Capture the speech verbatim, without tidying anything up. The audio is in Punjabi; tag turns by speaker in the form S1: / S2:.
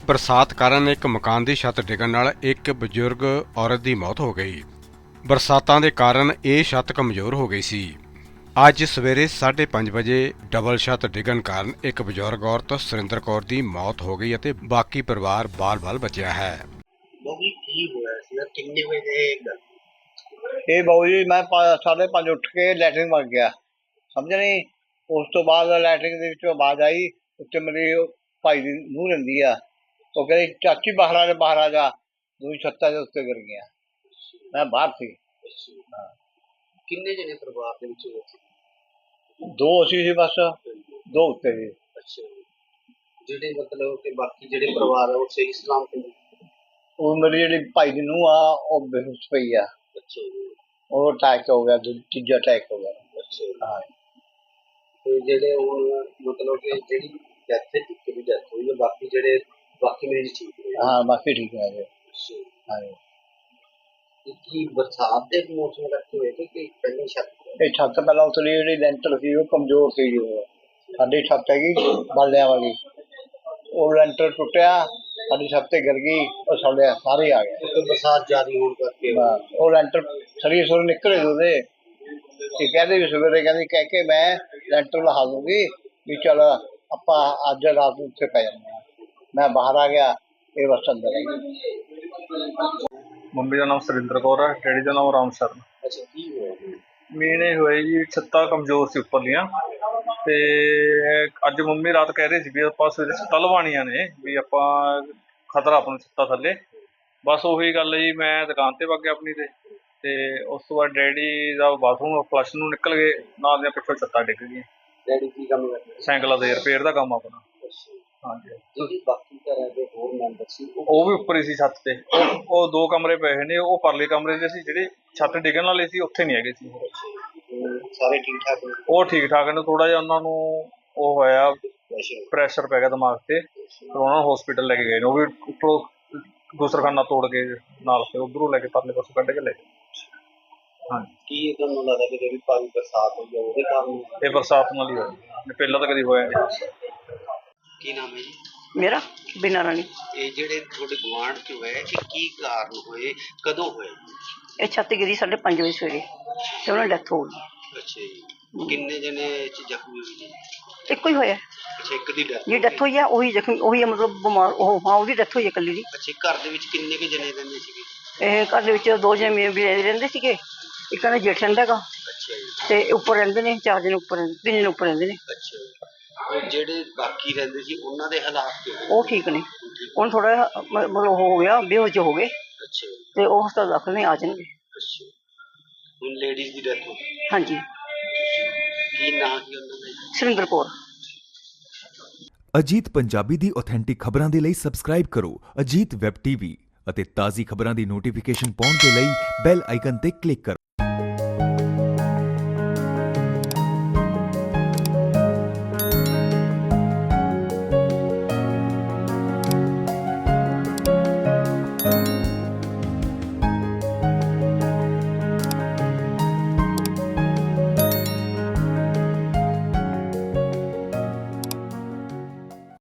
S1: बरसात कारण एक मकान की छत डिगण नाल एक बजुर्ग औरत की मौत हो गई। बरसातां दे कारण ये छत कमजोर हो गई सी। अज सवेरे साढ़े पांच बजे डबल छत डिगण कारण एक बजुर्ग औरत सुरिंदर कौर की मौत हो गई और बाकी परिवार बाल बाल बचिया है।
S2: ਇਹ ਬਾਊ ਜੀ ਮੈਂ ਸਾਢੇ ਪੰਜ ਉੱਠ ਕੇ ਲੈਟਰਿੰਗ ਵਗ ਗਿਆ, ਸਮਝ ਨਹੀਂ। ਉਸ ਤੋਂ ਬਾਅਦ ਲੈਟਰਿੰਗ ਦੇ ਵਿੱਚੋਂ ਆਵਾਜ਼ ਆਈ, ਉੱਤੇ ਮੇਰੀ ਭਾਈ ਦੀ ਨੂੰਹ ਰਹਿੰਦੀ ਆ, ਉਹ ਕਹਿੰਦੀ ਚਾਚੀ ਬਾਹਰ ਆ ਜਾ, ਬਾਹਰ ਆ ਜਾ। ਦੂਜੀ ਛੱਤਾਂ ਦੇ ਉੱਤੇ ਗਿਰ ਗਿਆ, ਮੈਂ ਬਾਹਰ ਸੀ।
S3: ਕਿੰਨੇ ਜਣੇ ਪਰਿਵਾਰ ਦੇ ਵਿੱਚ ਹੋਏ ਸੀ?
S2: ਦੋ ਅਸੀਂ ਸੀ ਬਸ, ਦੋ ਉੱਤੇ ਸੀ।
S3: ਅੱਛਾ, ਜਿਹੜੇ ਮਤਲਬ ਕਿ ਬਾਕੀ ਜਿਹੜੇ ਪਰਿਵਾਰ ਆ ਉਹ ਸਹੀ ਸਲਾਮਤ ਨੇ?
S2: ਉਹ ਮੇਰੀ ਜਿਹੜੀ ਭਾਈ ਦੀ ਨੂੰਹ ਆ ਉਹ ਬੇਹੋਸ਼ ਪਈ ਆ।
S3: ਅੱਛਾ ਜੀ,
S2: ਉਹ ਅਟੈਕ ਹੋ ਗਿਆ, ਦੂ- ਤੀਜਾ ਅਟੈਕ ਹੋ ਗਿਆ।
S3: ਅੱਛਾ ਜੀ।
S2: ਹਾਂ,
S3: ਤੇ ਜਿਹੜੇ ਹੁਣ ਮਤਲਬ ਕਿ ਜਿਹੜੀ ਡੈਥ ਹੈ, ਇੱਕ ਦੀ ਡੈਥ ਹੋਈ ਹੈ, ਬਾਕੀ ਜਿਹੜੇ ਬਾਕੀ ਮਰੀਜ਼ ਠੀਕ ਨੇ?
S2: ਹਾਂ ਬਾਕੀ ਠੀਕ ਹੈ ਜੀ।
S3: ਅੱਛਾ ਜੀ।
S2: ਹਾਂ,
S3: ਤੇ ਕੀ ਬਰਸਾਤ ਦੇ ਮੌਸਮ ਕਰਕੇ ਹੋਏ ਤੇ ਕਿ ਪਹਿਲਾਂ ਛੱਤ?
S2: ਇਹ ਛੱਤ ਪਹਿਲਾਂ ਉਤਲੀ ਜਿਹੜੀ ਲੈਂਟਰ ਸੀ ਉਹ ਕਮਜ਼ੋਰ ਸੀ ਜੀ। ਉਹ ਸਾਡੀ ਛੱਤ ਹੈਗੀ ਬਾਲਿਆਂ ਵਾਲੀ, ਉਹ ਲੈਂਟਰ ਟੁੱਟਿਆ, ਸਾਡੀ ਛੱਤ ਤੇ ਗਿਰ ਗਈ, ਉਹ ਸਾਡੇ ਸਾਰੇ ਆ ਗਏ।
S3: ਕਿਉਂਕਿ ਬਰਸਾਤ ਜ਼ਿਆਦਾ ਹੋਣ ਕਰਕੇ
S2: ਬਸ, ਉਹ ਲੈਂਟਰ ਸਰੀਰ ਸੁਰ ਨਿਕਲੇ ਉਹਦੇ। ਤੇ ਕਹਿੰਦੇ ਵੀ ਸਵੇਰੇ ਕਹਿੰਦੀ ਕਹਿ ਕੇ ਮੈਂ ਲੈਂਟਰ ਲਹਾ ਦੂੰਗੀ ਵੀ ਚੱਲ ਆਪਾਂ ਅੱਜ ਰਾਤ ਨੂੰ ਉੱਥੇ ਪੈ ਜਾਂਦੇ ਹਾਂ। ਮੈਂ ਬਾਹਰ ਆ ਗਿਆ, ਇਹ ਬਸ ਅੰਦਰ ਆਈ।
S4: ਮੰਮੀ ਦਾ ਨਾਮ ਸੁਰਿੰਦਰ ਕੌਰ ਹੈ, ਡੈਡੀ ਦਾ ਨਾਮ ਰਾਮ ਸ਼ਰਨ।
S3: ਅੱਛਾ, ਕੀ ਹੋਇਆ?
S4: ਮੇਨ ਇਹ ਹੋਇਆ ਜੀ, ਛੱਤਾਂ ਕਮਜ਼ੋਰ ਸੀ ਉੱਪਰਲੀਆਂ, ਤੇ ਅੱਜ ਮੰਮੀ ਰਾਤ ਕਹਿ ਰਹੇ ਸੀ ਵੀ ਆਪਾਂ ਸਵੇਰੇ ਛੱਤਾਂ ਲਵਾਉਣੀਆਂ ਨੇ, ਵੀ ਆਪਾਂ ਖਤਰਾ ਆਪਾਂ ਨੂੰ ਛੱਤਾਂ ਥੱਲੇ। ਬਸ ਉਹੀ ਗੱਲ ਹੈ ਜੀ, ਮੈਂ ਦੁਕਾਨ ਤੇ ਵਗ ਗਿਆ ਆਪਣੀ ਤੇ ਤੇ ਉਸ ਤੋਂ ਬਾਅਦ ਡੈਡੀ ਦਾ ਬਾਥਰੂਮ ਫਲਸ਼ ਨੂੰ ਨਿਕਲ ਗਏ, ਨਾਲ ਦੀਆਂ ਪਿੱਛੋਂ ਛੱਤਾਂ ਡਿੱਗ ਗਈਆਂ।
S3: ਡੈਡੀ ਕੀ ਕੰਮ ਕਰਦੇ?
S4: ਸਾਈਕਲਾਂ ਦੇ ਰਿਪੇਅਰ ਦਾ ਕੰਮ ਆਪਣਾ।
S3: ਅੱਛਾ,
S4: ਹਾਂਜੀ,
S3: ਜਿਹੜੀ ਬਾਕੀ ਘਰਾਂ ਦੇ ਹੋਰ ਮੈਂਬਰ ਸੀ ਉਹ
S4: ਉਹ ਵੀ ਉੱਪਰ ਹੀ ਸੀ ਛੱਤ ਤੇ। ਉਹ ਉਹ ਦੋ ਕਮਰੇ ਪਏ ਨੇ, ਉਹ ਪਰਲੇ ਕਮਰੇ ਦੇ ਸੀ, ਜਿਹੜੇ ਛੱਤ ਡਿੱਗਣ ਵਾਲੇ ਸੀ ਉੱਥੇ ਨਹੀਂ ਹੈਗੇ ਸੀ।
S3: ਅਮ, ਸਾਰੇ ਠੀਕ ਠਾਕ ਨੇ?
S4: ਉਹ ਠੀਕ ਠਾਕ ਨੇ, ਥੋੜਾ ਜਿਹਾ ਉਹਨਾਂ ਨੂੰ ਉਹ ਹੋਇਆ,
S3: ਅੱਛਾ,
S4: ਪ੍ਰੈਸ਼ਰ ਪੈ ਗਿਆ ਦਿਮਾਗ ਤੇ, ਫਿਰ ਉਹਨਾਂ ਨੂੰ ਹਸਪੀਟਲ ਲੈ ਕੇ ਗਏ ਨੇ। ਉਹ ਵੀ ਉੱਪਰੋਂ ਗੁਸਰਖਾਨਾ ਤੋੜ ਕੇ ਨਾਲ ਤੇ ਉਧਰੋਂ ਲੈ ਕੇ ਪਰਲੇ ਪਾਸੋਂ ਕੱਢ ਕੇ ਲੈ ਗਏ। ਹਾਂਜੀ,
S3: ਕੀ ਤੁਹਾਨੂੰ ਲੱਗਦਾ ਕਿ ਜਿਹੜੀ ਭਾਰੀ ਬਰਸਾਤ ਹੋਈ ਹੈ ਉਹਦੇ ਕਾਰਨ?
S4: ਇਹ ਬਰਸਾਤ ਨਾਲ ਹੀ ਹੋਇਆ, ਪਹਿਲਾਂ ਤਾਂ ਕਦੀ ਹੋਇਆ ਨਹੀਂ।
S3: ਕੀ ਨਾਮ ਹੈ ਜੀ?
S5: ਮੇਰਾ ਬਿਨਾਂ ਰਾਣੀ।
S3: ਇਹ ਜਿਹੜੇ ਤੁਹਾਡੇ ਗੁਆਂਢ ਚ ਹੋਏ, ਇਹ ਕੀ ਕਾਰਨ ਹੋਏ, ਕਦੋਂ ਹੋਏ?
S5: ਇਹ ਛੱਤ ਗਿਰੀ ਸਾਢੇ ਪੰਜ ਵਜੇ ਸਵੇਰੇ ਤੇ ਉਹਨਾਂ ਡੈਥ ਹੋ ਗਈ।
S3: ਅੱਛਾ ਜੀ, ਕਿੰਨੇ ਜਣੇ ਇਹ 'ਚ ਜ਼ਖਮੀ ਹੋਏ ਜੀ?
S5: ਇੱਕੋ ਹੀ ਹੋਇਆ
S3: ਅੱਛਾ, ਇੱਕ ਦੀ ਡੈਥ?
S5: ਜੀ ਡੈਥ ਹੋਈ ਆ, ਉਹੀ ਜ਼ਖਮੀ ਉਹੀ ਆ, ਮਤਲਬ ਬਿਮਾਰ ਉਹ ਹਾਂ ਉਹਦੀ ਡੈਥ ਹੋਈ ਹੈ ਇਕੱਲੀ ਦੀ।
S3: ਅੱਛਾ, ਘਰ ਦੇ ਵਿੱਚ ਕਿੰਨੇ ਕੁ ਜਣੇ ਰਹਿੰਦੇ ਸੀਗੇ?
S5: ਇਹ ਘਰ ਦੇ ਵਿੱਚ ਦੋ ਜਣੇ ਵੀ ਰਹਿੰਦੇ ਸੀਗੇ, ਇੱਕ ਕਹਿੰਦਾ ਜੇਠ ਰਹਿੰਦਾ ਹੈਗਾ,
S3: ਅੱਛਾ ਜੀ।
S5: ਤੇ ਉੱਪਰ ਰਹਿੰਦੇ ਨੇ ਚਾਰ ਜਣੇ, ਉੱਪਰ ਰਹਿੰਦੇ ਤਿੰਨ ਜਣੇ ਉੱਪਰ ਰਹਿੰਦੇ ਨੇ।
S3: ਅੱਛਾ ਜੀ, ਉਹ ਜਿਹੜੇ ਬਾਕੀ ਰਹਿੰਦੇ ਸੀ ਉਹਨਾਂ ਦੇ ਹਾਲਾਤ ਕਿਵੇਂ?
S5: ਉਹ ਠੀਕ ਨੇ, ਹੁਣ ਥੋੜਾ ਮਤਲਬ ਉਹ ਹੋ ਗਿਆ, ਬੇਹੋਸ਼ ਹੋ ਗਏ,
S3: ਅੱਛਾ ਜੀ,
S5: ਤੇ ਉਹ ਹਸਪਤਾਲ ਦਾਖਲ ਨੇ, ਆ ਜਾਣਗੇ।
S3: ਅੱਛਾ। ਹੁਣ ਲੇਡੀਜ਼ ਦੀ ਡੈਥ ਹੋ ਗਈ,
S5: ਹਾਂਜੀ,
S3: ਕੀ ਨਾਂ ਕੀ ਉਹਨਾਂ ਦਾ ਜੀ?
S5: ਸੁਰਿੰਦਰ ਕੌਰ।
S6: ਅਜੀਤ ਪੰਜਾਬੀ ਦੀ ਆਥੈਂਟਿਕ ਖਬਰਾਂ ਦੇ ਲਈ ਸਬਸਕ੍ਰਾਈਬ ਕਰੋ ਅਜੀਤ ਵੈਬ ਟੀਵੀ ਅਤੇ ਤਾਜ਼ੀ ਖਬਰਾਂ ਦੀ ਨੋਟੀਫਿਕੇਸ਼ਨ ਪਾਉਣ ਦੇ ਲਈ ਬੈਲ ਆਈਕਨ ਤੇ ਕਲਿੱਕ ਕਰੋ।